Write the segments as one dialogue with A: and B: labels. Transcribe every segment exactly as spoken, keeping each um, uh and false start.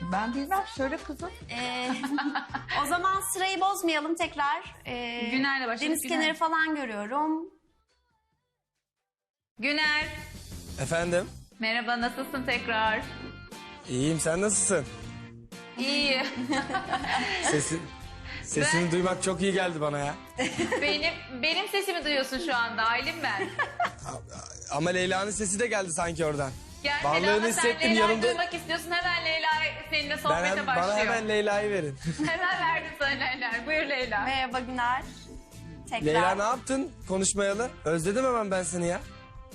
A: Ben bilmem. Söyle kızım.
B: Ee, o zaman sırayı bozmayalım tekrar. Ee,
C: Güner'le başladık.
B: Deniz
C: Güner.
B: kenarı falan görüyorum.
C: Güner.
D: Efendim?
C: Merhaba, nasılsın tekrar?
D: İyiyim, sen nasılsın?
C: İyi.
D: Sesin, sesini
C: Ben-
D: duymak çok iyi geldi bana ya.
C: benim benim sesimi duyuyorsun şu anda. Aylin ben.
D: Ama Leyla'nın sesi de geldi sanki oradan.
C: Gel
D: Varlığını
C: Leyla, sen
D: hissettim
C: Leyla'yı
D: yanımda.
C: duymak istiyorsun. Hemen Leyla seninle
D: Ben
C: sohbete
D: hem-
C: başlıyor.
D: bana hemen Leyla'yı verin.
C: Hemen verdim sana Leyla. Buyur Leyla.
B: Merhaba Güner. Tekrar.
D: Leyla ne yaptın konuşmayalı? Özledim hemen ben seni ya.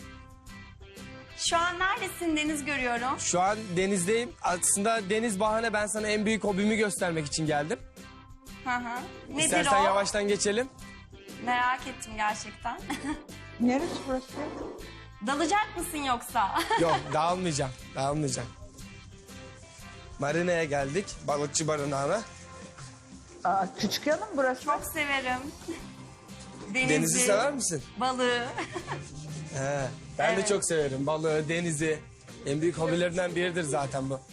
B: Şu an neredesin? Deniz görüyorum.
D: Şu an denizdeyim. Aslında deniz bahane, ben sana en büyük hobimi göstermek için geldim.
B: Hı hı. Nedir
D: İstersen
B: o?
D: yavaştan geçelim.
B: Merak ettim gerçekten.
A: Neresi burası?
B: Dalacak mısın yoksa?
D: Yok, dağılmayacağım. Dağılmayacağım. Marina'ya geldik. Balıkçı barınağına.
A: Aa, küçük yanım burası.
B: Çok severim. Denizi,
D: Denizi sever misin?
B: balığı.
D: He, ben de
B: Evet.
D: çok severim. Balığı, denizi. En büyük hobilerimden biridir zaten bu.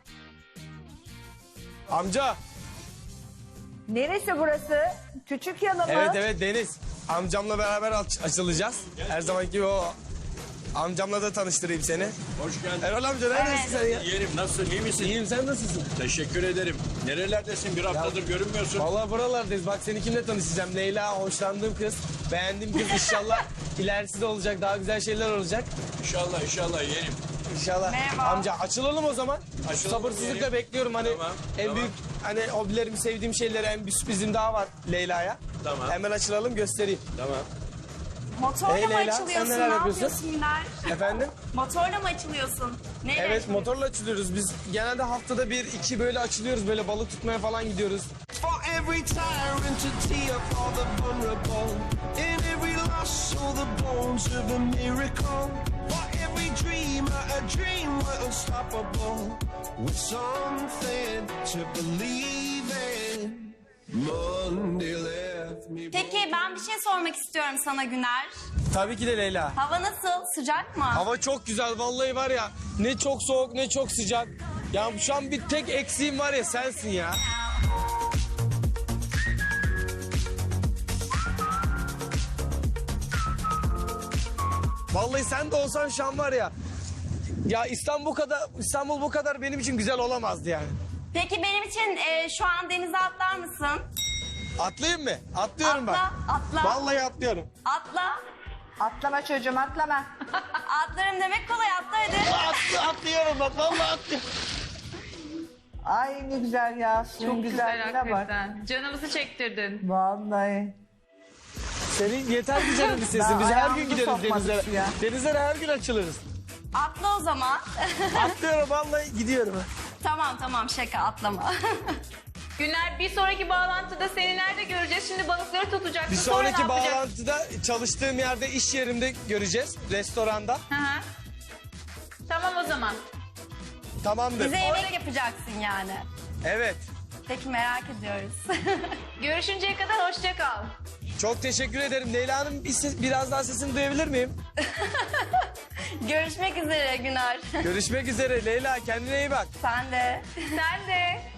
D: Amca.
A: Neresi burası? Küçük yanı mı?
D: Evet evet, deniz. Amcamla beraber aç- açılacağız. Her zamanki gibi o. Amcamla da tanıştırayım seni.
E: Hoş geldin.
D: Erol amca neredesin sen ya?
E: Yeğenim nasılsın, iyi misin?
D: İyiyim, sen nasılsın?
E: Teşekkür ederim. Nerelerdesin? Bir haftadır görünmüyorsun.
D: Vallahi buralardayız. Bak seni kimle tanışacağım? Leyla, hoşlandığım kız. Beğendiğim kız. İnşallah ilerisi de olacak. Daha güzel şeyler olacak.
E: İnşallah, inşallah yeğenim.
D: İnşallah.
B: Merhaba.
D: Amca açılalım o zaman.
E: Açılalım
D: Sabırsızlıkla
E: diyelim.
D: bekliyorum. Hani
E: Tamam,
D: en
E: tamam.
D: büyük hani hobilerimi, sevdiğim şeyleri, en bir sürprizim daha var Leyla'ya.
E: Tamam.
D: Hemen açılalım, göstereyim.
E: Tamam.
B: Motorla
D: Hey
B: mı
D: Leyla, sen
B: açılıyorsun?
D: neler
B: Ne
D: yapıyorsun?
B: yapıyorsun Güner?
D: Efendim?
B: Motorla mı açılıyorsun? Neyle
D: Evet,
B: açılıyorsun?
D: motorla açılıyoruz. Biz genelde haftada bir, iki böyle açılıyoruz. Böyle balık tutmaya falan gidiyoruz.
F: For every tyrant a tear for the vulnerable. In every loss all the bones of a miracle. For every dreamer a dream we're unstoppable. With something to believe in. Monday left me.
B: Peki ben bir şey sormak istiyorum sana Güner.
D: Tabii ki de Leyla.
B: Hava nasıl? Sıcak mı?
D: Hava çok güzel vallahi, var ya. Ne çok soğuk ne çok sıcak. Ya şu an bir tek eksiğim var ya, sensin ya. Vallahi sen de olsan şu an var ya. Ya İstanbul bu kadar, İstanbul bu kadar benim için güzel olamazdı yani.
B: Peki benim için e, şu an denize atlar mısın?
D: Atlayayım mı? Atlıyorum
B: Atla,
D: ben.
B: atla.
D: Vallahi atlıyorum.
B: Atla.
A: Atlama çocuğum atlama.
B: Atlarım demek kolay, atla hadi.
D: Atlı, atlıyorum bak, vallahi atlıyorum.
A: Ay ne güzel ya. Suyun
C: Çok güzel
A: güzelliğine bak.
C: hakikaten. Canımızı çektirdin.
A: Vallahi.
D: Senin yeter ki canım bir sesin.
A: Ben
D: Biz her
A: ayağımızı
D: gün gideriz
A: sokmadık
D: denizlere.
A: suya.
D: Denizlere her gün açılırız.
B: Atla o zaman.
D: Atlıyorum vallahi, gidiyorum.
B: Tamam tamam, şaka, atlama.
C: Güner, bir sonraki bağlantıda seni nerede göreceğiz? Şimdi balıkları tutacaksın.
D: Bir
C: sonra
D: sonraki
C: ne yapacaksın?
D: bağlantıda çalıştığım yerde, iş yerimde göreceğiz. Restoranda.
C: Hı hı. Tamam o zaman.
D: Tamamdır.
B: Bize yemek yapacaksın yani.
D: Evet.
B: Peki, merak ediyoruz.
C: Görüşünceye kadar hoşça kal.
D: Çok teşekkür ederim. Leyla Hanım, bir ses- biraz daha sesini duyabilir miyim?
B: Görüşmek üzere Güner.
D: Görüşmek üzere Leyla. Kendine iyi bak.
B: Sen de.
C: Sen de.